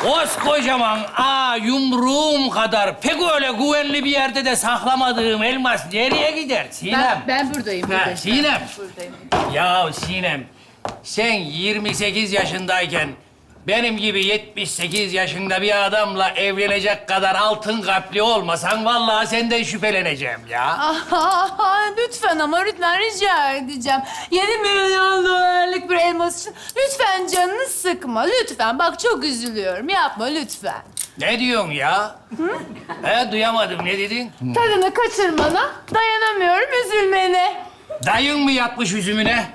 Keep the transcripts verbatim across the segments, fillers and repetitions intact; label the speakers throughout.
Speaker 1: Koskocaman aa yumruğum kadar pek öyle güvenli bir yerde de saklamadığım elmas nereye gider Sinem?
Speaker 2: Ben, ben buradayım.
Speaker 1: Ha,
Speaker 2: buradayım.
Speaker 1: Sinem.
Speaker 2: Buradayım.
Speaker 1: Ya Sinem, sen yirmi sekiz yaşındayken benim gibi yetmiş sekiz yaşında bir adamla evlenecek kadar altın kalpli olmasan vallahi senden şüpheleneceğim ya.
Speaker 2: Aha, lütfen ama lütfen rica edeceğim. Yedi milyon dolarlık bir elmas için lütfen canını sıkma. Lütfen. Bak çok üzülüyorum. Yapma lütfen.
Speaker 1: Ne diyorsun ya? He, duyamadım. Ne dedin?
Speaker 2: Tadını kaçırmana dayanamıyorum üzülmene.
Speaker 1: Dayın mı yatmış üzümüne?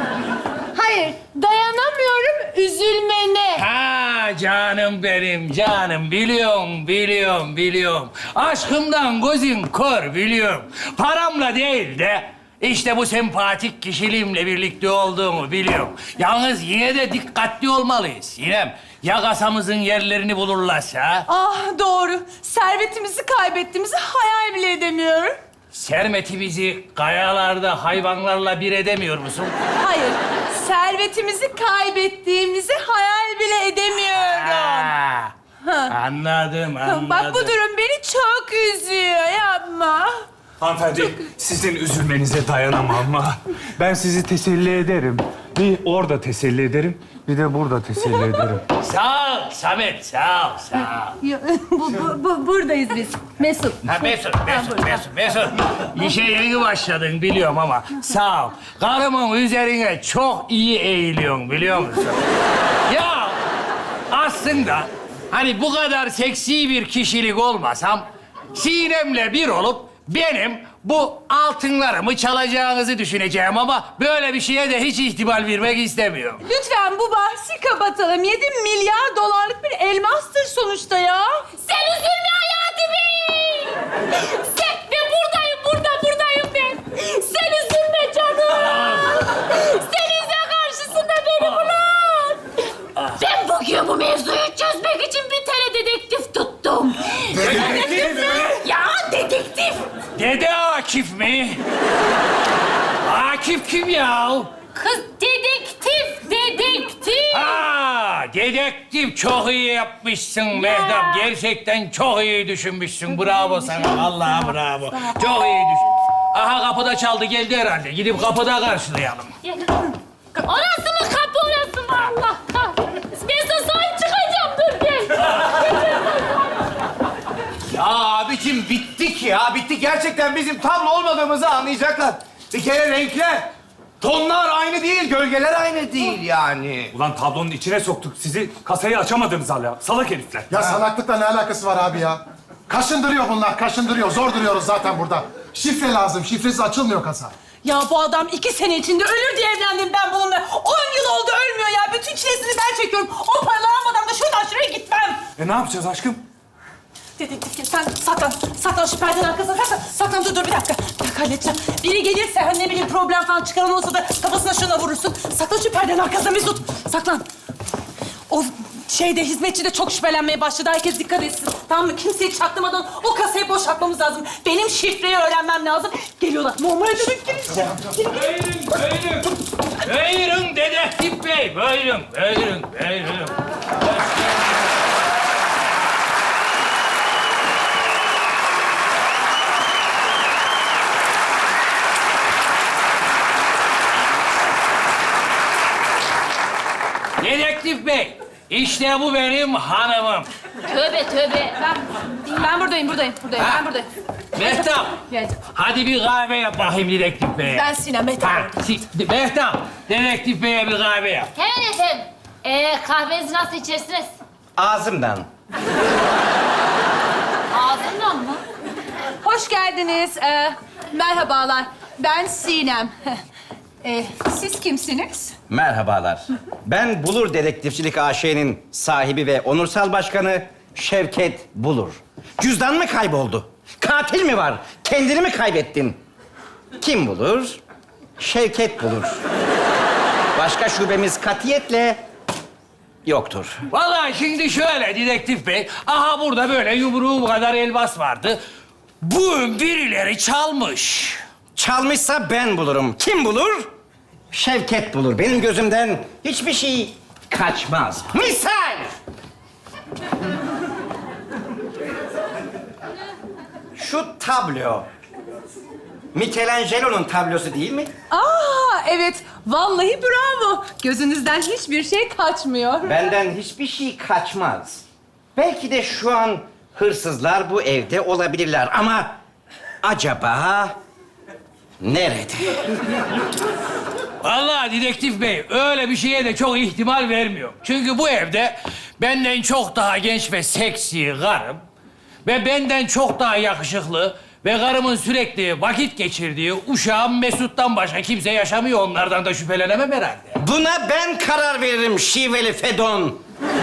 Speaker 2: Hayır, dayanamıyorum üzülmene.
Speaker 1: Ha canım benim, canım. Biliyorum, biliyorum, biliyorum. Aşkımdan gözün kör biliyorum. Paramla değil de işte bu sempatik kişiliğimle birlikte olduğumu biliyorum. Yalnız yine de dikkatli olmalıyız Sinem. Ya kasamızın yerlerini bulurlarsa?
Speaker 2: Ah doğru. Servetimizi kaybettiğimizi hayal bile edemiyorum.
Speaker 1: Sermetimizi kayalarda hayvanlarla bir edemiyor musun?
Speaker 2: Hayır, servetimizi kaybettiğimizi hayal bile edemiyorum.
Speaker 1: Ha, anladım, anladım.
Speaker 2: Bak bu durum beni çok üzüyor. Yapma.
Speaker 3: Hanımefendi, sizin üzülmenize dayanamam ama ben sizi teselli ederim. Bir orada teselli ederim, bir de burada teselli ederim.
Speaker 1: Sağ ol Samet, sağ ol, sağ ol.
Speaker 2: bu, bu, bu, buradayız biz. Mesut.
Speaker 1: Ha Mesut, Mesut, Mesut, Mesut. İşe yeni başladın biliyorum ama sağ ol. Karımın üzerine çok iyi eğiliyorsun biliyor musun? Ya aslında hani bu kadar seksi bir kişilik olmasam Sinem'le bir olup benim bu altınlarımı çalacağınızı düşüneceğim ama böyle bir şeye de hiç ihtimal vermek istemiyorum.
Speaker 2: Lütfen bu bahsi kapatalım. Yedi milyar dolarlık bir elmastır sonuçta ya.
Speaker 4: Sen üzülme Hayati Bey. Sen, ben buradayım, burada, buradayım ben. Sen üzülme canım. Senin karşısında beni bulan. Ben bugün bu mevzuyu çözmek için bir tane dedektif tuttum.
Speaker 3: Dedektif mi?
Speaker 4: Ya dedektif.
Speaker 1: Dede Akif mi? Akif kim ya?
Speaker 4: Kız dedektif, dedektif.
Speaker 1: Ha, dedektif çok iyi yapmışsın Mehtap. Gerçekten çok iyi düşünmüşsün. Bravo sana. Vallahi bravo. Çok iyi düşün. Aha kapıda çaldı geldi herhalde. Gidip kapıda karşılayalım.
Speaker 4: Orası mı kapı, orası mı Allah kahretsin. Ben sana sahip çıkacağım, dur gel.
Speaker 5: Ya abicim bittik ya, bittik. Gerçekten bizim tablo olmadığımızı anlayacaklar. Bir kere renkler, tonlar aynı değil, gölgeler aynı değil yani.
Speaker 3: Ulan tablonun içine soktuk sizi, kasayı açamadınız hala. Salak herifler.
Speaker 6: Ya salaklıkla ne alakası var abi ya? Kaşındırıyor bunlar, kaşındırıyor. Zor duruyoruz zaten burada. Şifre lazım, şifresiz açılmıyor kasa.
Speaker 2: Ya bu adam iki sene içinde ölür diye evlendim ben bununla. On yıl oldu ölmüyor ya. Bütün çilesini ben çekiyorum. O paraları almadan da şuradan şuraya gitmem.
Speaker 3: E ne yapacağız aşkım?
Speaker 2: Dedektif gel, sen saklan. Saklan şu perdenin arkasına saklan. Saklan dur dur bir dakika. Bir dakika halledeceğim. Biri gelirse hani ne bileyim problem falan çıkaran olsa da kafasına şuna vurursun. Saklan şu perdenin arkasına Mesut. Saklan. O şeyde hizmetçi de çok şüphelenmeye başladı. Herkes dikkat etsin. Tamam mı? Kimseyi çaktırmadan o kasayı boşaltmamız lazım. Benim şifreyi öğrenmem lazım. Geliyorlar. Normal demek gireceğim.
Speaker 1: Buyurun, buyurun. Buyurun dedektif bey. Buyurun, buyurun, buyurun. Dedektif bey, işte bu benim hanımım.
Speaker 4: Tövbe tövbe.
Speaker 2: Ben, ben buradayım, buradayım, buradayım.
Speaker 1: Ha?
Speaker 2: Ben buradayım.
Speaker 1: Mehtap,
Speaker 2: Geldim.
Speaker 1: hadi bir kahve yap bakayım dedektif beye.
Speaker 2: Ben Sinem, Mehtap.
Speaker 1: Ha, si- Mehtap, dedektif beye bir kahve yap.
Speaker 4: Hemen efendim. Ee, kahvenizi nasıl içersiniz?
Speaker 5: Ağzımdan.
Speaker 4: Ağzından mı?
Speaker 2: Hoş geldiniz. Ee, merhabalar. Ben Sinem. Ee, siz kimsiniz?
Speaker 5: Merhabalar. Ben Bulur Dedektifçilik A Ş'nin sahibi ve onursal başkanı Şevket Bulur. Cüzdan mı kayboldu? Katil mi var? Kendini mi kaybettin? Kim bulur? Şevket Bulur. Başka şubemiz katiyetle yoktur.
Speaker 1: Vallahi şimdi şöyle dedektif bey, aha burada böyle yumruğum kadar elmas vardı. Bu birileri çalmış.
Speaker 5: Çalmışsa ben bulurum. Kim bulur? Şevket bulur. Benim gözümden hiçbir şey kaçmaz. Misal! şu tablo Michelangelo'nun tablosu değil mi?
Speaker 2: Aa evet, vallahi bravo. Gözünüzden hiçbir şey kaçmıyor.
Speaker 5: Benden hiçbir şey kaçmaz. Belki de şu an hırsızlar bu evde olabilirler ama acaba nerede?
Speaker 1: Vallahi dedektif bey öyle bir şeye de çok ihtimal vermiyor. Çünkü bu evde benden çok daha genç ve seksi karım ve benden çok daha yakışıklı ve karımın sürekli vakit geçirdiği uşağım Mesut'tan başka kimse yaşamıyor. Onlardan da şüphelenemem herhalde.
Speaker 5: Buna ben karar veririm şiveli Fedon.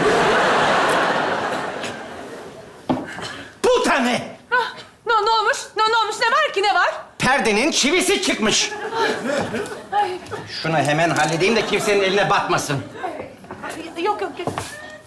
Speaker 5: Bu tane
Speaker 2: Ah, ne, ne olmuş? Ne, ne olmuş? Ne var ki, ne var?
Speaker 5: perdenin çivisi çıkmış. Şunu hemen halledeyim de kimsenin eline batmasın.
Speaker 2: Yok yok yok.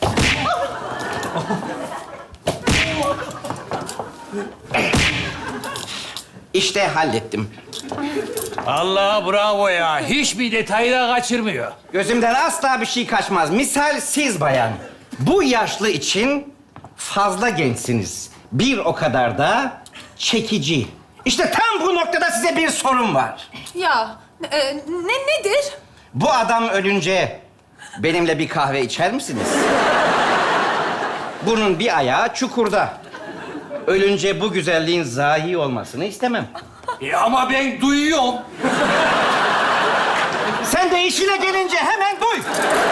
Speaker 5: İşte hallettim.
Speaker 1: Allah bravo ya. Hiçbir detayı da kaçırmıyor.
Speaker 5: Gözümden asla bir şey kaçmaz. Misal siz bayan, bu yaşlı için fazla gençsiniz. Bir o kadar da çekici. İşte tam bu noktada size bir sorum var.
Speaker 2: Ya e, ne nedir?
Speaker 5: Bu adam ölünce benimle bir kahve içer misiniz? Bunun bir ayağı çukurda. Ölünce bu güzelliğin zahi olmasını istemem.
Speaker 1: E ama ben duyuyorum.
Speaker 5: Sen de işine gelince hemen duy.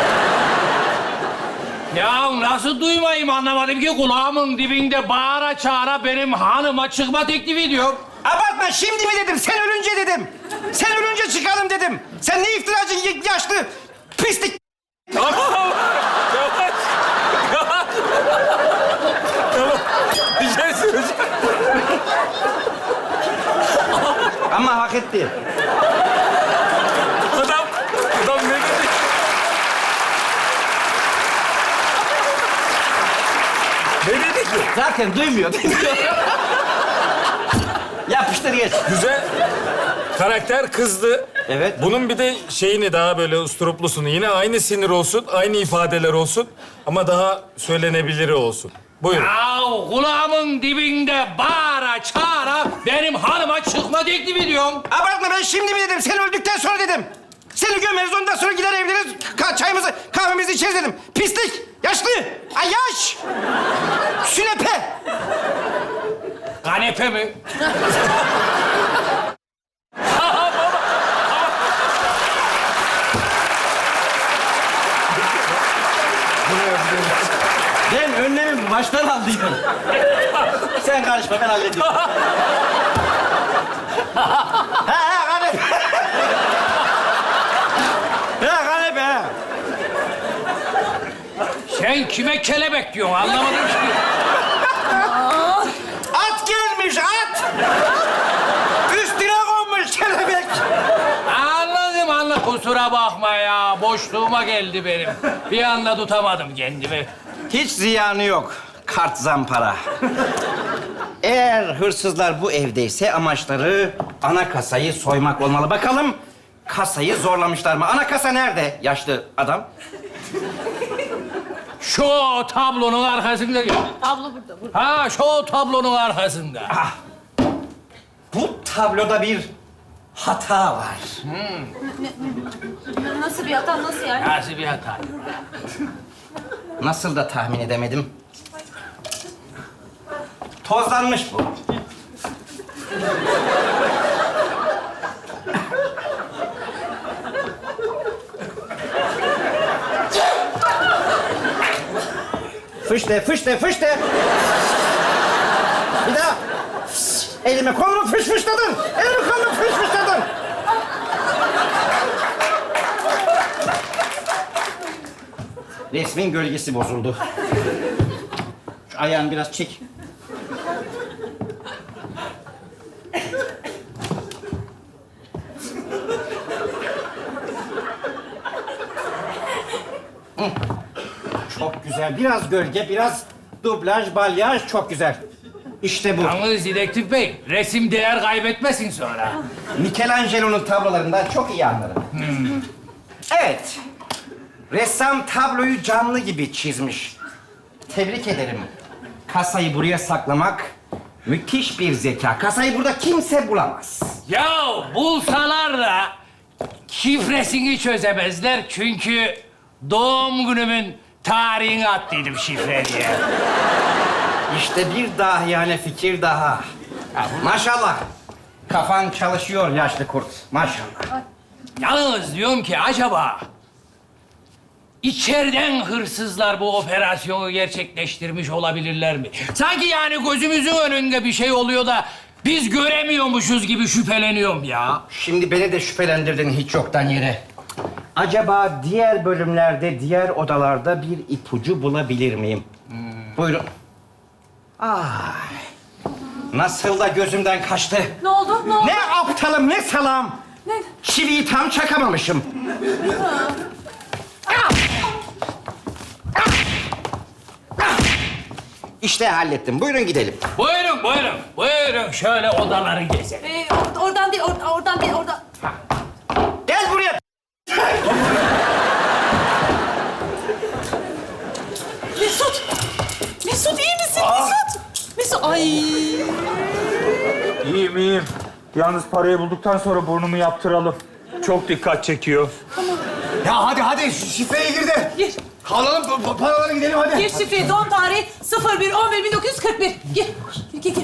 Speaker 1: Ya nasıl duymayayım anlamadım ki kulağımın dibinde bağıra çağıra benim hanıma çıkma teklifi ediyor.
Speaker 5: Abartma, şimdi mi dedim, sen ölünce dedim. Sen ölünce çıkalım dedim. Sen ne iftiracı y- yaşlı pislik.
Speaker 3: Tamam. Yavaş. Yavaş. Tamam. Bir şey söyleyeceğim.
Speaker 5: Ama hak etti.
Speaker 3: Adam, adam ne dedi? Ne dedi ki?
Speaker 5: Zaten duymuyor. Yapıştır geç.
Speaker 3: Güzel. Karakter kızdı.
Speaker 5: Evet.
Speaker 3: Bunun bir de şeyini daha böyle usturuplusunu. Yine aynı sinir olsun, aynı ifadeler olsun. Ama daha söylenebiliri olsun. Buyurun.
Speaker 1: Ya kulağımın dibinde bağıra çağıra benim hanıma çıkma teklif ediyorum.
Speaker 5: Abartma, ben şimdi mi dedim, sen öldükten sonra dedim. Seni gömeriz, ondan sonra gider evleniriz, ka- çayımızı, kahvemizi içeriz dedim. Pislik, yaşlı, ay yaş, sünepe.
Speaker 1: Kanepe mi?
Speaker 5: Ben önlemimi baştan aldıydım. Sen karışma, ben hallediyorum. ha ha kanepe. ha kanepe ha.
Speaker 1: Sen kime kelebek diyorsun anlamadım ki.
Speaker 5: At gelmiş, at. Üstüne konmuş kelebek.
Speaker 1: Anladım anladım. Kusura bakma ya. Boşluğuma geldi benim. Bir anda tutamadım kendimi.
Speaker 5: Hiç ziyanı yok. Kart zampara. Eğer hırsızlar bu evdeyse amaçları ana kasayı soymak olmalı. Bakalım kasayı zorlamışlar mı? Ana kasa nerede yaşlı adam?
Speaker 1: Şu tablonun arkasında.
Speaker 4: Abla burada, burada.
Speaker 1: Ha şu tablonun arkasında.
Speaker 5: Ah, bu tabloda bir hata var.
Speaker 4: Nasıl bir hata, nasıl yani?
Speaker 1: Nasıl bir hata?
Speaker 5: Nasıl da tahmin edemedim. Tozlanmış bu. Fışte, fışte, fışte. Bir daha. Elime kolumu fış fışladın. Elime kolumu fış fışladın. Resmin gölgesi bozuldu. Şu ayağını biraz çek. Hı. Çok güzel. Biraz gölge, biraz dublaj, balyaj. Çok güzel. İşte bu.
Speaker 1: Yalnız dedektif bey, resim değer kaybetmesin sonra.
Speaker 5: Michelangelo'nun tablolarından çok iyi anlarım. Evet. Ressam tabloyu canlı gibi çizmiş. Tebrik ederim. Kasayı buraya saklamak Müthiş bir zeka. Kasayı burada kimse bulamaz.
Speaker 1: Ya bulsalar da şifresini çözemezler çünkü doğum günümün tarihini attıydım şifre diye.
Speaker 5: İşte bir dahiyane fikir daha. Maşallah. Kafan çalışıyor yaşlı kurt. Maşallah.
Speaker 1: Yalnız diyorum ki acaba içeriden hırsızlar bu operasyonu gerçekleştirmiş olabilirler mi? Sanki yani gözümüzün önünde bir şey oluyor da biz göremiyormuşuz gibi şüpheleniyorum ya.
Speaker 5: Şimdi beni de şüphelendirdin hiç yoktan yere. Acaba diğer bölümlerde, diğer odalarda bir ipucu bulabilir miyim? Buyurun. Ay. Nasıl da gözümden kaçtı.
Speaker 2: Ne oldu? Ne oldu?
Speaker 5: Ne aptalım, ne salam.
Speaker 2: Ne?
Speaker 5: Çiviyi tam çakamamışım. Ah! Ah! Ah! İşte hallettim. Buyurun gidelim.
Speaker 1: Buyurun, buyurun, buyurun. Şöyle odaları gezelim.
Speaker 2: Ee, or- oradan değil, or- oradan değil, oradan.
Speaker 5: Gel buraya.
Speaker 2: Mesut! Mesut iyi misin Mesut? Mesut, ay.
Speaker 3: İyiyim, iyiyim. Yalnız parayı bulduktan sonra burnumu yaptıralım. Çok dikkat çekiyor.
Speaker 7: Ya hadi hadi şu şifreye gir de.
Speaker 2: Gir.
Speaker 7: Alalım pa- paraları gidelim hadi.
Speaker 2: Gir şifreyi, doğum tarihi sıfır bir on bir bin dokuz yüz kırk bir. Gir, gir, gir. gir.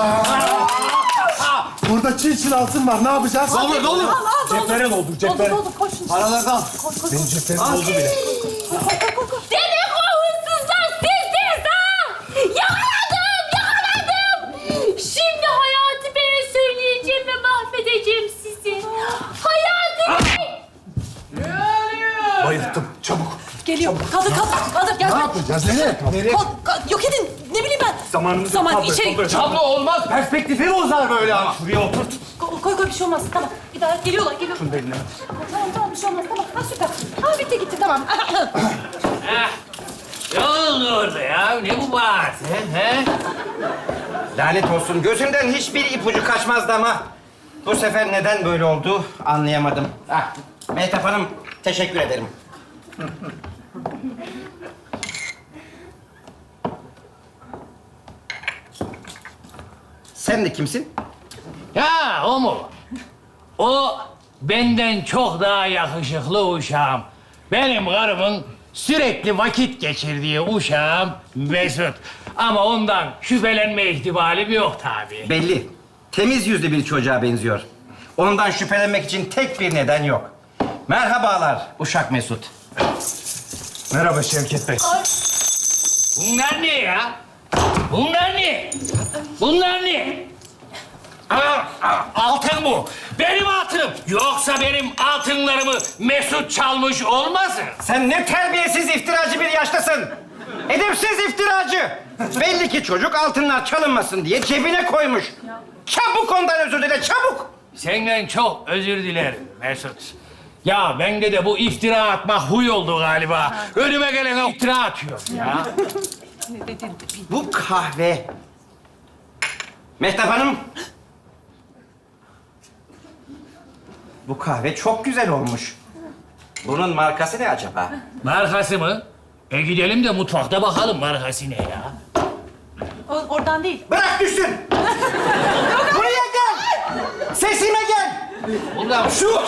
Speaker 6: Burada çil çil altın var. Ne yapacağız?
Speaker 7: Ne olur ne olur.
Speaker 2: Al, al, doldur.
Speaker 3: Cepheren oldu, cepheren.
Speaker 2: Doldur, doldur, koş şimdi.
Speaker 7: Paraları al.
Speaker 2: Koş, koş,
Speaker 6: Benim
Speaker 2: koş.
Speaker 6: ceplerim oldu bile.
Speaker 2: Koy, koy, koy, koy, koy.
Speaker 4: Demek o hırsızlar sizdiniz ha! Yakaladım, yakaladım! Şimdi Hayati Bey'e söyleyeceğim ve mahvedeceğim sizi. Hayati Bey!
Speaker 7: Bayılttım. Çabuk.
Speaker 2: Geliyor. Kaldır, kaldır, kaldır. Gel.
Speaker 6: Ne yapacağız? Nereye?
Speaker 7: Nereye?
Speaker 2: Kal, kal- yok edin. Ne bileyim ben.
Speaker 3: Zamanımızı
Speaker 2: Zaman,
Speaker 3: kaldır,
Speaker 2: içeri.
Speaker 3: kaldır.
Speaker 7: Tablo olmaz. Perspektifi bozar böyle ama.
Speaker 3: Şuraya oturt.
Speaker 2: Koy, koy, koy, bir şey olmaz. Tamam. Bir daha geliyorlar, geliyor. Şunu
Speaker 3: Beline.
Speaker 2: Tamam, tamam, bir şey olmaz. Tamam. Ha, süper. Ha, bitti, gitti. Tamam.
Speaker 1: Heh. Ne oldu orada ya? Ne bu bağırtı? He?
Speaker 5: Lanet olsun. Gözümden hiçbir ipucu kaçmazdı ama... ...bu sefer neden böyle oldu anlayamadım. Ah, Mehtap Hanım, teşekkür ederim. Sen de kimsin?
Speaker 1: Ya o mu? O benden çok daha yakışıklı uşağım. Benim karımın sürekli vakit geçirdiği uşağım Mesut. Ama ondan şüphelenme ihtimalim yok tabii.
Speaker 5: Belli. Temiz yüzlü bir çocuğa benziyor. Ondan şüphelenmek için tek bir neden yok. Merhabalar Uşak Mesut.
Speaker 3: Merhaba Şevket Bey.
Speaker 1: Bunlar ne ya? Bunlar ne? Bunlar ne? Aa, aa, altın bu. Benim altınım. Yoksa benim altınlarımı Mesut çalmış olmasın?
Speaker 5: Sen ne terbiyesiz iftiracı bir yaştasın. Edepsiz iftiracı. Belli ki çocuk altınlar çalınmasın diye cebine koymuş. Çabuk ondan özür dile, çabuk.
Speaker 1: Senden çok özür dilerim Mesut. Ya bende de bu iftira atma huy oldu galiba. Önüme gelene iftira atıyor ya.
Speaker 5: Bu kahve. Mehtap Hanım. Bu kahve çok güzel olmuş. Bunun markası ne acaba?
Speaker 1: Markası mı? E gidelim de mutfakta bakalım markası ne ya.
Speaker 2: O- oradan değil.
Speaker 5: Bırak düşsün. Buraya gel. Sesime gel.
Speaker 1: Ulan
Speaker 5: Şu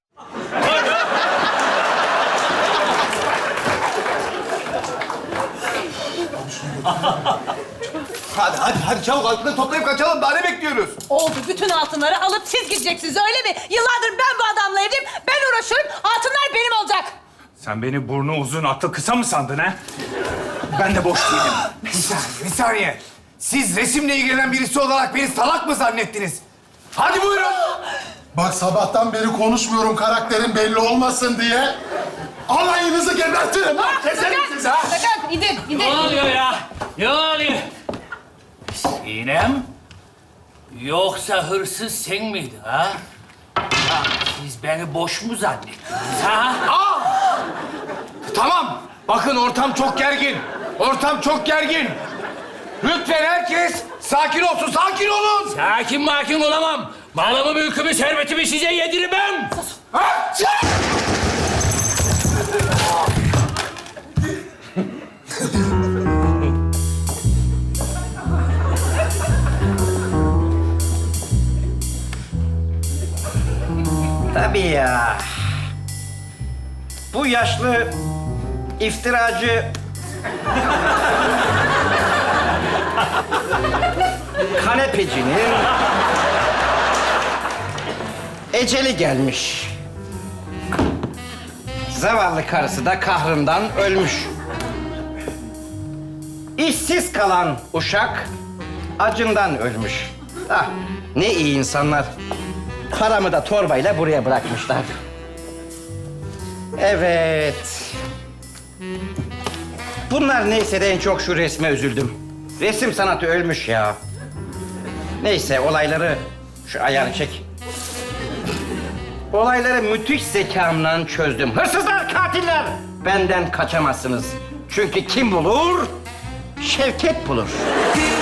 Speaker 7: Hadi hadi hadi çabuk altını toplayıp kaçalım. Daha ne bekliyoruz?
Speaker 2: Oldu. Bütün altınları alıp siz gideceksiniz, öyle mi? Yıllardır ben bu adamla evliyim. Ben uğraşıyorum. Altınlar benim olacak.
Speaker 3: Sen beni burnu uzun, aklı kısa mı sandın ha? Ben de boş değilim.
Speaker 7: Bir saniye, bir saniye. Siz resimle ilgilenen birisi olarak beni salak mı zannettiniz? Hadi buyurun.
Speaker 6: Bak sabahtan beri konuşmuyorum karakterin belli olmasın diye. Alayınızı gebertirim lan. Keserim sizi ha.
Speaker 2: Sakın, gidin,
Speaker 1: ne
Speaker 2: gidin.
Speaker 1: oluyor ya? Ne oluyor? Sinem? Yoksa hırsız sen miydin ha? Ya siz beni boş mu zannettiniz ha?
Speaker 7: Tamam. Bakın ortam çok gergin. Ortam çok gergin. Lütfen herkes sakin olsun. Sakin olun.
Speaker 1: Sakin makin olamam. Malımı, mülkümü, servetimi size yedirmem.
Speaker 7: Ha, çık!
Speaker 5: Tabii ya. Bu yaşlı iftiracı kanepecinin eceli gelmiş. Zavallı karısı da kahrından ölmüş. İşsiz kalan uşak acından ölmüş. Ah, ne iyi insanlar. Paramı da torbayla buraya bırakmışlar. Evet. Bunlar neyse de en çok şu resme üzüldüm. Resim sanatı ölmüş ya. Neyse olayları şu ayarı çek. Olayları müthiş zekamla çözdüm. Hırsızlar, katiller benden kaçamazsınız. Çünkü kim bulur? Şevket bulur.